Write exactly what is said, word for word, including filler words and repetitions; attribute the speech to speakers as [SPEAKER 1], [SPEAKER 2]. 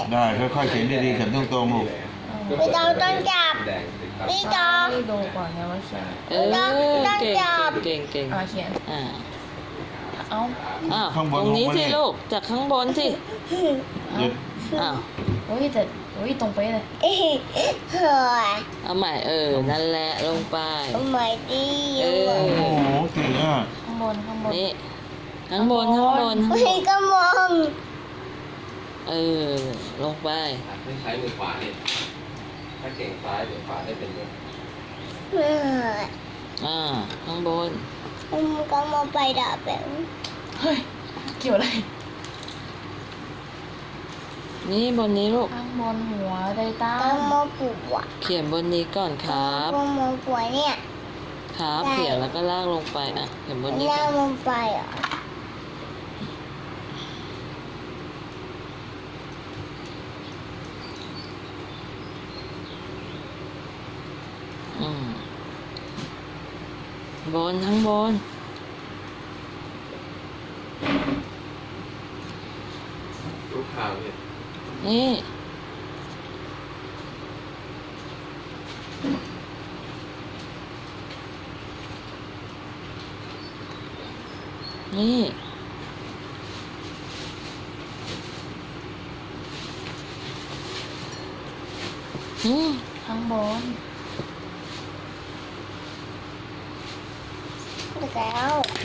[SPEAKER 1] ได้ค่อยๆเขียนดีๆเขียนตรงๆลูก
[SPEAKER 2] พี่ต้องต้องจับพี่ต้อง
[SPEAKER 3] ให้ดูก่อนนะว่าเขียน
[SPEAKER 4] เออเก่งเก่งเก่ง
[SPEAKER 3] อ่าเขียน
[SPEAKER 4] อ่า
[SPEAKER 3] เอ้า
[SPEAKER 4] อ้าวตรงนี้สิลูกจากข้างบนสิ
[SPEAKER 1] หยุด
[SPEAKER 4] อ้าว
[SPEAKER 3] โอ้ยแต่โอ้ยตรงไปเลย
[SPEAKER 2] เฮ้ย
[SPEAKER 4] เอาใหม่เออนั่นแหละลงไป
[SPEAKER 2] ทำไมดี
[SPEAKER 4] เออ
[SPEAKER 1] โอ้โหเก่งอ่ะ
[SPEAKER 3] ข้างบนข้างบน
[SPEAKER 4] นี่ข้างบนข้างบนข้างบ
[SPEAKER 2] พี่
[SPEAKER 4] น
[SPEAKER 2] ก็มอง
[SPEAKER 4] เออลงไป
[SPEAKER 5] ไม่ใช้มือขวาเนี่ยถ้าเก่งซ้ายเดี๋ยวขวาได้เป็นเลย
[SPEAKER 2] เออ
[SPEAKER 4] อ่าข้างบน
[SPEAKER 2] ผมก็มองไปดับแบบ
[SPEAKER 3] เฮ้ยเกี่ยวอะไร
[SPEAKER 4] นี่บนนี้ลูก
[SPEAKER 3] ข้างบนหัวไดต้า
[SPEAKER 2] ก็มองปวด
[SPEAKER 4] เขียนบนนี้ก่อนครับ
[SPEAKER 2] ก็มองปวดเนี่ย
[SPEAKER 4] ครับ
[SPEAKER 2] ได้
[SPEAKER 4] เขียนแล้วก็ลากลงไปอ่ะเขียนบนนี้
[SPEAKER 2] แล้
[SPEAKER 4] ก่
[SPEAKER 2] ว
[SPEAKER 4] อน
[SPEAKER 2] มองไปเหรอ
[SPEAKER 4] อืมบนข้างบน
[SPEAKER 5] ลูกข่าวเนี่ย
[SPEAKER 4] นี่นี่อืม
[SPEAKER 3] ข้างบน
[SPEAKER 2] แล้ว